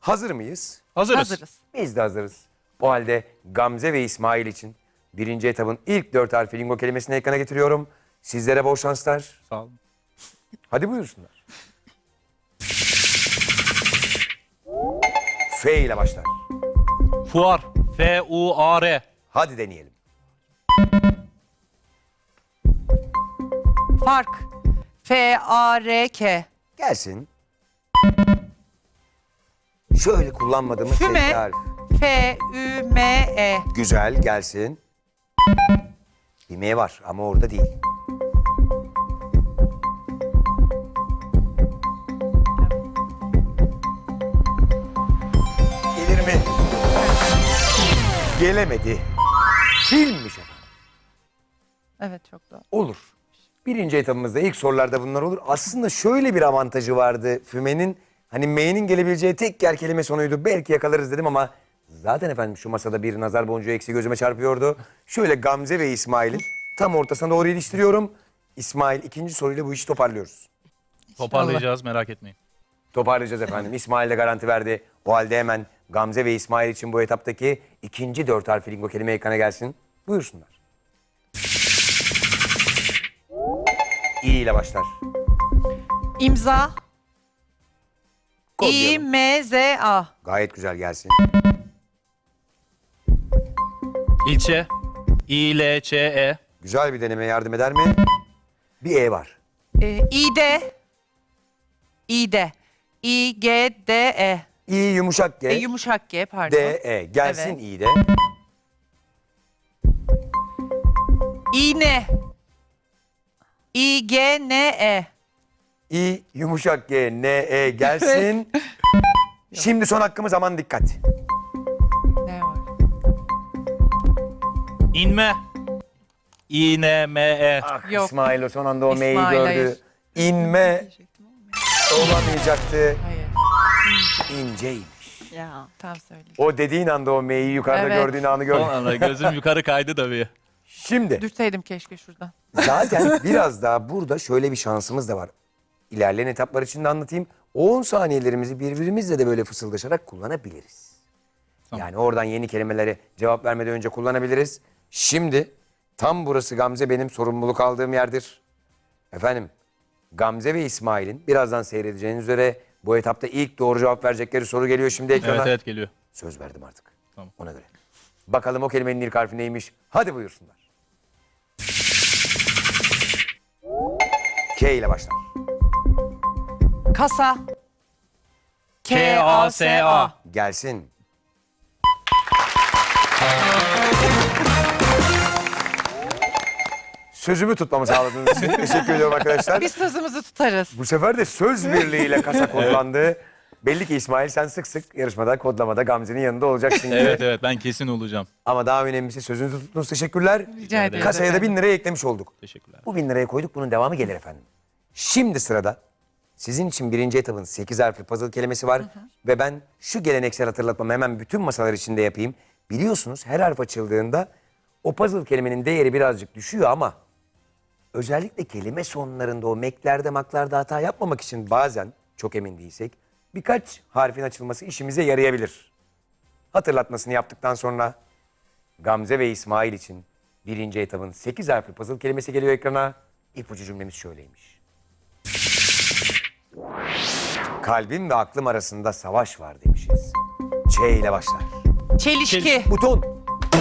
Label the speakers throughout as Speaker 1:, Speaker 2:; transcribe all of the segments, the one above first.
Speaker 1: Hazır mıyız?
Speaker 2: Hazırız.
Speaker 3: Hazırız.
Speaker 1: Biz de hazırız. O halde Gamze ve İsmail için birinci etabın ilk 4 harfi lingo kelimesini ekrana getiriyorum. Sizlere bol şanslar.
Speaker 2: Sağ olun.
Speaker 1: Hadi buyursunlar. F ile başlar.
Speaker 2: Fuar. F-U-A-R.
Speaker 1: Hadi deneyelim.
Speaker 3: Fark. F-A-R-K.
Speaker 1: Gelsin. Şöyle kullanmadığımız
Speaker 3: Füme.
Speaker 1: sesli harf.
Speaker 3: F-Ü-M-E.
Speaker 1: Güzel, gelsin. Bir M var ama orada değil. Gelir mi? Gelemedi. Filmmiş efendim.
Speaker 3: Evet, çok doğru.
Speaker 1: Olur. Birinci etabımızda ilk sorularda bunlar olur. Aslında şöyle bir avantajı vardı Füme'nin. Hani M'nin gelebileceği tek yer kelime sonuydu. Belki yakalarız dedim ama zaten efendim şu masada bir nazar boncuğu eksi gözüme çarpıyordu. Şöyle Gamze ve İsmail'in tam ortasına doğru iliştiriyorum. İsmail ikinci soruyla bu işi toparlıyoruz.
Speaker 2: Toparlayacağız, merak etmeyin.
Speaker 1: Toparlayacağız efendim. İsmail de garanti verdi. O halde hemen Gamze ve İsmail için bu etaptaki ikinci 4 harfli lingo kelime ekrana gelsin. Buyursunlar. İ ile başlar.
Speaker 3: İmza.
Speaker 1: Kodlayalım.
Speaker 3: İ-M-Z-A.
Speaker 1: Gayet güzel gelsin.
Speaker 2: İlçe. İ-L-Ç-E.
Speaker 1: Güzel bir deneme yardım eder mi? Bir E var.
Speaker 3: İ-D. İ-D. İ-G-D-E.
Speaker 1: İ yumuşak G.
Speaker 3: Yumuşak G, pardon.
Speaker 1: D E. Gelsin
Speaker 3: Evet.
Speaker 1: İ de.
Speaker 3: İğne. İ-G-N-E.
Speaker 1: İ yumuşak G N E gelsin. Şimdi son hakkımız, aman dikkat.
Speaker 3: Ne var?
Speaker 2: İnme. İ-N-M-E.
Speaker 1: Ah
Speaker 3: Yok.
Speaker 1: İsmail o son anda o M'yi
Speaker 3: İsmail,
Speaker 1: gördü.
Speaker 3: hayır.
Speaker 1: İnme olamayacaktı.
Speaker 3: Hayır.
Speaker 1: İnceymiş.
Speaker 3: Ya. Tam söyleyeyim.
Speaker 1: O dediğin anda o M'yi yukarıda
Speaker 3: Evet.
Speaker 1: gördüğün anı
Speaker 2: Son
Speaker 1: gördüm.
Speaker 2: anda gözüm yukarı kaydı tabii.
Speaker 1: Şimdi
Speaker 3: Dürseydim keşke şuradan.
Speaker 1: zaten biraz daha burada şöyle bir şansımız da var. İlerleyen etaplar için de anlatayım. 10 saniyelerimizi birbirimizle de böyle fısıldaşarak kullanabiliriz.
Speaker 2: Tamam.
Speaker 1: Yani oradan yeni kelimelere cevap vermeden önce kullanabiliriz. Şimdi tam burası Gamze benim sorumluluk aldığım yerdir. Efendim Gamze ve İsmail'in birazdan seyredeceğiniz üzere bu etapta ilk doğru cevap verecekleri soru geliyor şimdi ekrana.
Speaker 2: Evet evet geliyor.
Speaker 1: Söz verdim artık.
Speaker 2: Tamam.
Speaker 1: Ona göre. Bakalım o kelimenin ilk harfi neymiş? Hadi buyursunlar. K ile başlar.
Speaker 3: Kasa.
Speaker 2: K-A-S-A.
Speaker 1: Gelsin. Sözümü tutmamı sağladığınız için teşekkür ediyorum arkadaşlar.
Speaker 3: Biz sözümüzü tutarız.
Speaker 1: Bu sefer de söz birliğiyle kasa kodlandı. Belli ki İsmail sen sık sık yarışmada, kodlamada Gamze'nin yanında olacaksın gibi.
Speaker 2: Evet evet ben kesin olacağım.
Speaker 1: Ama daha önemlisi sözünüzü tuttunuz. Teşekkürler.
Speaker 3: Rica ederiz.
Speaker 1: Kasaya da
Speaker 3: efendim.
Speaker 1: 1000 liraya eklemiş olduk.
Speaker 2: Teşekkürler.
Speaker 1: Bu 1000 liraya koyduk. Bunun devamı gelir efendim. Şimdi sırada sizin için birinci etapın 8 harfli puzzle kelimesi var. Ve ben şu geleneksel hatırlatmamı hemen bütün masalar içinde yapayım. Biliyorsunuz her harf açıldığında o puzzle kelimenin değeri birazcık düşüyor ama özellikle kelime sonlarında o meklerde maklarda hata yapmamak için bazen çok emin değilsek birkaç harfin açılması işimize yarayabilir. Hatırlatmasını yaptıktan sonra Gamze ve İsmail için birinci etapın 8 harfli puzzle kelimesi geliyor ekrana. İpucu cümlemiz şöyleymiş. Kalbim ve aklım arasında savaş var demişiz. Ç ile başlar.
Speaker 3: Çelişki.
Speaker 1: Buton.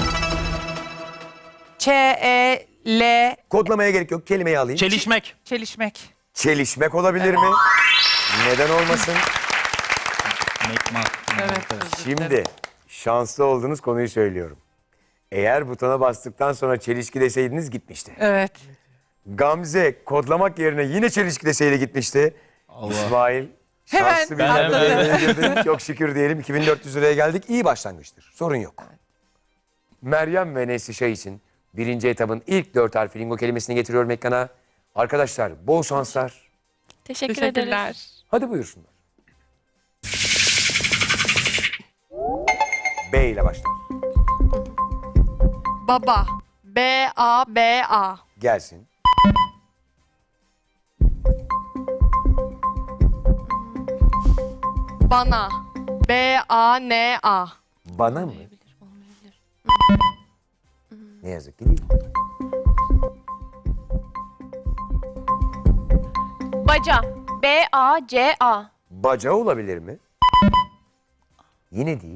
Speaker 3: Ç-E-L.
Speaker 1: Kodlamaya gerek yok. Kelimeyi alayım.
Speaker 2: Çelişmek.
Speaker 3: Çelişmek.
Speaker 1: Çelişmek olabilir mi? Neden olmasın?
Speaker 2: Mekmak.
Speaker 3: Evet.
Speaker 1: Şimdi şanslı olduğunuz konuyu söylüyorum. Eğer butona bastıktan sonra çelişki deseydiniz gitmişti.
Speaker 3: Evet.
Speaker 1: Gamze kodlamak yerine yine çelişki deseydi gitmişti.
Speaker 2: Allah.
Speaker 1: İsmail
Speaker 3: Hemen
Speaker 1: şanslı bir
Speaker 2: atladı.
Speaker 1: durumda girdin. Çok şükür diyelim 2400 liraya geldik. İyi başlangıçtır. Sorun yok. Meryem ve Neslişah için birinci etapın ilk 4 harfli lingo kelimesini getiriyorum ekrana. Arkadaşlar bol şanslar.
Speaker 4: Teşekkür ederiz.
Speaker 1: Hadi buyursunlar. B ile başlar.
Speaker 4: Baba. B-A-B-A.
Speaker 1: Gelsin.
Speaker 4: Bana. B-A-N-A.
Speaker 1: Bana mı? Ne yazık ki değil.
Speaker 5: Baca. B-A-C-A.
Speaker 1: Baca olabilir mi? Yine değil.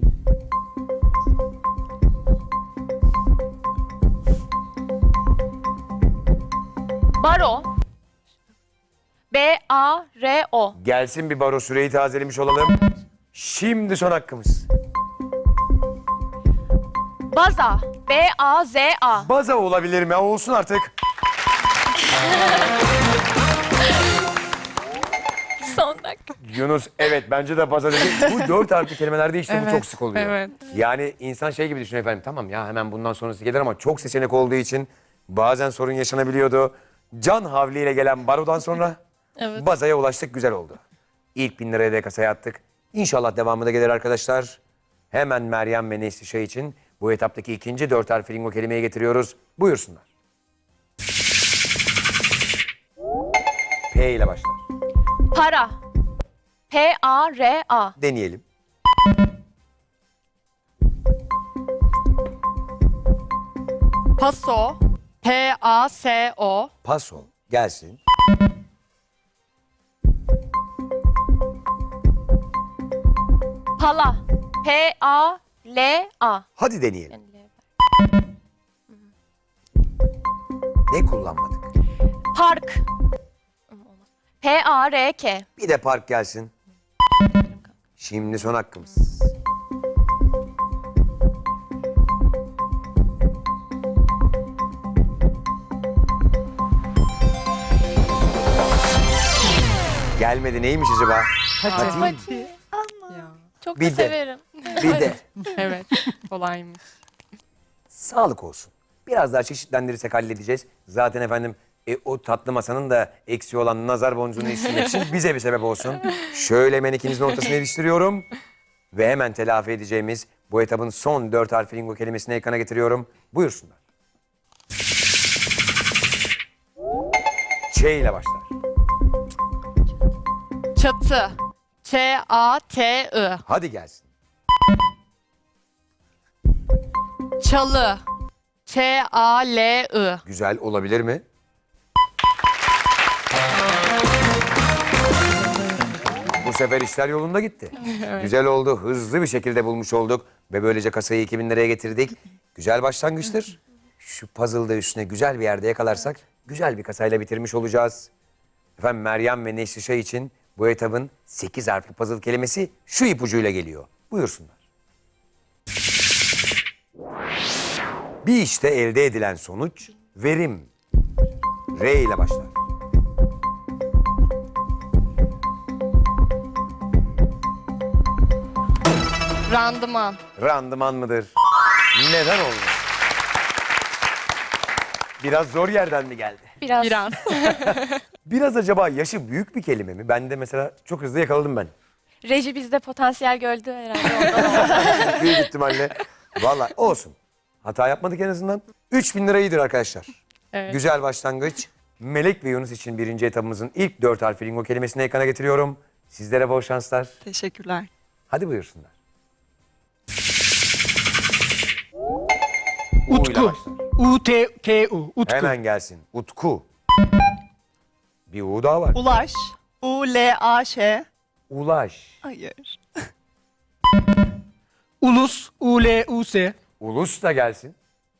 Speaker 5: Baro. B-A-R-O.
Speaker 1: Gelsin bir baro, süreyi tazelemiş olalım. Şimdi son hakkımız.
Speaker 5: Baza. B-A-Z-A.
Speaker 1: Baza olabilir mi? Olsun artık.
Speaker 4: Son dakika.
Speaker 1: Yunus evet bence de baza dedi. Bu 4 harfli kelimelerde işte bu
Speaker 3: Evet,
Speaker 1: çok sık oluyor.
Speaker 3: evet.
Speaker 1: Yani insan şey gibi düşünüyor efendim. Tamam ya hemen bundan sonrası gelir ama çok seçenek olduğu için bazen sorun yaşanabiliyordu. Can havliyle gelen barodan sonra bazaya ulaştık, güzel oldu. İlk 1000 liraya da kasaya attık. İnşallah devamı da gelir arkadaşlar. Hemen Meryem ve Neslişah için bu etaptaki ikinci 4 harfli lingo kelimeyi getiriyoruz. Buyursunlar. P ile başlar.
Speaker 5: Para. P-A-R-A.
Speaker 1: Deneyelim.
Speaker 3: Paso. P-A-S-O.
Speaker 1: Paso gelsin.
Speaker 5: Pala. P-A-L-A.
Speaker 1: Hadi deneyelim. Ne kullanmadık?
Speaker 5: Park. P-A-R-K.
Speaker 1: Bir de park gelsin. Şimdi son hakkımız. Gelmedi, neymiş acaba? Hadi.
Speaker 4: Hadi. Çok
Speaker 1: Bir
Speaker 4: da
Speaker 1: de.
Speaker 4: severim.
Speaker 1: Bir de
Speaker 3: Evet. Kolaymış.
Speaker 1: sağlık olsun. Biraz daha çeşitlendirirsek halledeceğiz. Zaten efendim o tatlı masanın da eksiği olan nazar boncuğunu iliştirmek için bize bir sebep olsun. Şöyle hemen ikinizin ortasına iliştiriyorum. Ve hemen telafi edeceğimiz bu etabın son 4 harfli lingo kelimesini ekrana getiriyorum. Buyursunlar. Ç ile başlar.
Speaker 3: Çatı. Ç-A-T-I.
Speaker 1: Hadi gelsin.
Speaker 3: Çalı. Ç-A-L-I.
Speaker 1: Güzel olabilir mi? Bu sefer işler yolunda gitti. Güzel oldu. Hızlı bir şekilde bulmuş olduk. Ve böylece kasayı 2000 liraya getirdik. Güzel başlangıçtır. Şu puzzle'da üstüne güzel bir yerde yakalarsak güzel bir kasayla bitirmiş olacağız. Efendim Meryem ve Neslişah için bu etabın 8 harfli puzzle kelimesi şu ipucuyla geliyor. Buyursunlar. Bir işte elde edilen sonuç verim. R ile başlar.
Speaker 3: Randıman.
Speaker 1: Randıman mıdır? Neden olmaz? Biraz zor yerden mi geldi?
Speaker 4: Biraz.
Speaker 3: Biraz.
Speaker 1: Biraz acaba yaşı büyük bir kelime mi? Ben de mesela çok hızlı yakaladım ben.
Speaker 4: Reji bizde potansiyel gördü herhalde ondan.
Speaker 1: Büyük ihtimalle. Vallahi olsun. Hata yapmadık en azından. 3000 lira iyidir arkadaşlar.
Speaker 3: Evet.
Speaker 1: Güzel başlangıç. Melek ve Yunus için birinci etapımızın ilk 4 harfli lingo kelimesini ekrana getiriyorum. Sizlere bol şanslar.
Speaker 6: Teşekkürler.
Speaker 1: Hadi buyursunlar. U ile başlar.
Speaker 6: U-T-K-U. Utku.
Speaker 1: Hemen gelsin. Utku. Bir U daha var.
Speaker 6: Ulaş. U-L-A-Ş.
Speaker 1: Ulaş.
Speaker 6: Hayır.
Speaker 7: Ulus, U-L-U-S.
Speaker 1: Ulus da gelsin.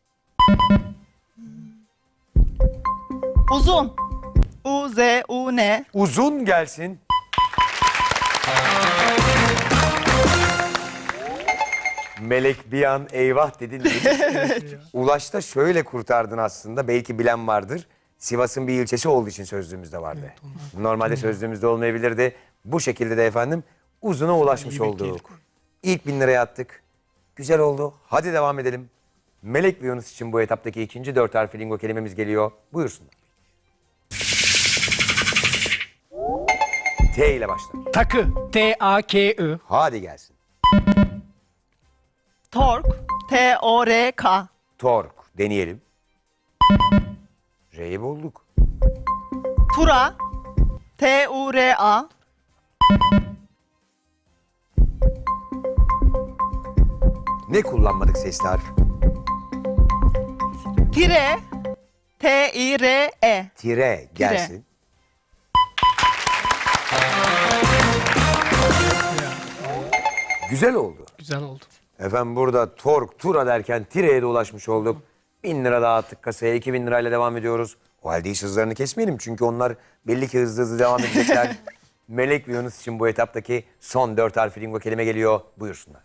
Speaker 6: Uzun. U-Z-U-N.
Speaker 1: Uzun gelsin. Melek bir an eyvah dedin değil. Ulaş'ta şöyle kurtardın aslında. Belki bilen vardır. Sivas'ın bir ilçesi olduğu için sözlüğümüzde vardı. Normalde sözlüğümüzde olmayabilirdi. Bu şekilde de efendim uzuna ulaşmış olduk. İlk 1000 liraya attık. Güzel oldu. Hadi devam edelim. Melek ve Yunus için bu etaptaki ikinci 4 harfli lingo kelimemiz geliyor. Buyursunlar. T ile başlar.
Speaker 7: Takı, T-A-K-I.
Speaker 1: Hadi gelsin.
Speaker 6: Tork. T-O-R-K.
Speaker 1: Tork. Deneyelim. R'yi bulduk.
Speaker 6: Tura. T-U-R-A.
Speaker 1: Ne kullanmadık sesli harf?
Speaker 6: Tire. T-I-R-E.
Speaker 1: Tire gelsin. Güzel oldu.
Speaker 7: Güzel oldu.
Speaker 1: Efendim burada tork, tura derken tireye de ulaşmış olduk. 1000 lira daha attık kasaya. 2000 lirayla devam ediyoruz. O halde hiç hızlarını kesmeyelim. Çünkü onlar belli ki hızlı hızlı devam edecekler. Melek ve Yunus için bu etaptaki son 4 harfli lingo kelime geliyor. Buyursunlar.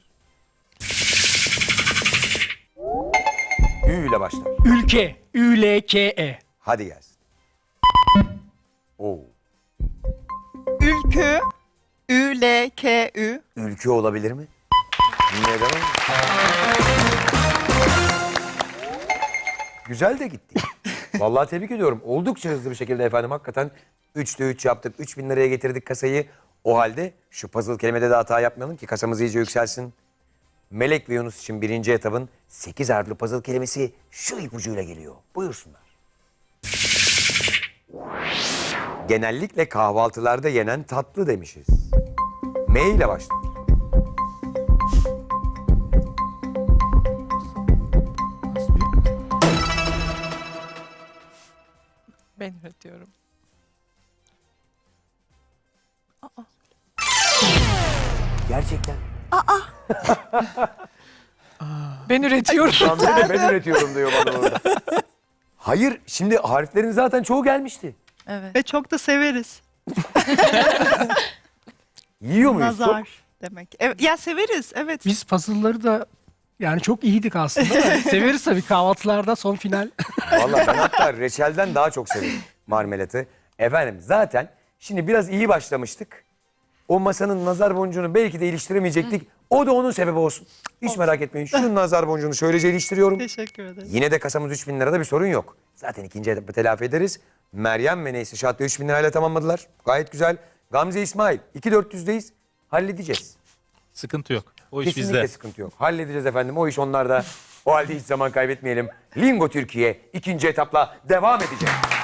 Speaker 1: Ü ile başlar.
Speaker 7: Ülke. Ülke.
Speaker 1: Hadi gelsin. Oo.
Speaker 6: Ülkü. Ü-L-K-Ü.
Speaker 1: Ülke olabilir mi? Neden? Güzel de gitti. Vallahi tebrik ediyorum. Oldukça hızlı bir şekilde efendim hakikaten 3'te 3 yaptık. 3000 liraya getirdik kasayı. O halde şu puzzle kelimede de hata yapmayalım ki kasamız iyice yükselsin. Melek ve Yunus için birinci etabın 8 harfli puzzle kelimesi şu ipucuyla geliyor. Buyursunlar. Genellikle kahvaltılarda yenen tatlı demişiz. M ile başlar.
Speaker 3: Ben üretiyorum.
Speaker 1: Gerçekten.
Speaker 3: Ben üretiyorum.
Speaker 1: Tam de ben üretiyorum diyor bana orada. Hayır, şimdi harflerin zaten çoğu gelmişti.
Speaker 6: Ve çok da severiz.
Speaker 1: Yiyor muyuz?
Speaker 6: Nazar demek. Evet, ya severiz, evet.
Speaker 7: Biz puzzle'ları da yani çok iyiydik aslında da severiz tabii kahvaltılarda son final.
Speaker 1: Vallahi ben hatta reçelden daha çok severim marmelatı. Efendim zaten şimdi biraz iyi başlamıştık. O masanın nazar boncuğunu belki de iliştiremeyecektik. O da onun sebebi olsun. Hiç merak etmeyin. Şu nazar boncuğunu şöylece iliştiriyorum.
Speaker 6: Teşekkür ederim.
Speaker 1: Yine de kasamız 3000 lirada bir sorun yok. Zaten ikinci etapı telafi ederiz. Meryem ve Neyse Şahat da 3000 lirayla tamamladılar. Gayet güzel. Gamze İsmail 2400'deyiz. Halledeceğiz.
Speaker 2: Sıkıntı yok. O iş
Speaker 1: Kesinlikle
Speaker 2: bizde.
Speaker 1: sıkıntı yok. Halledeceğiz efendim. O iş onlarda. O halde hiç zaman kaybetmeyelim. Lingo Türkiye ikinci etapla devam edecek.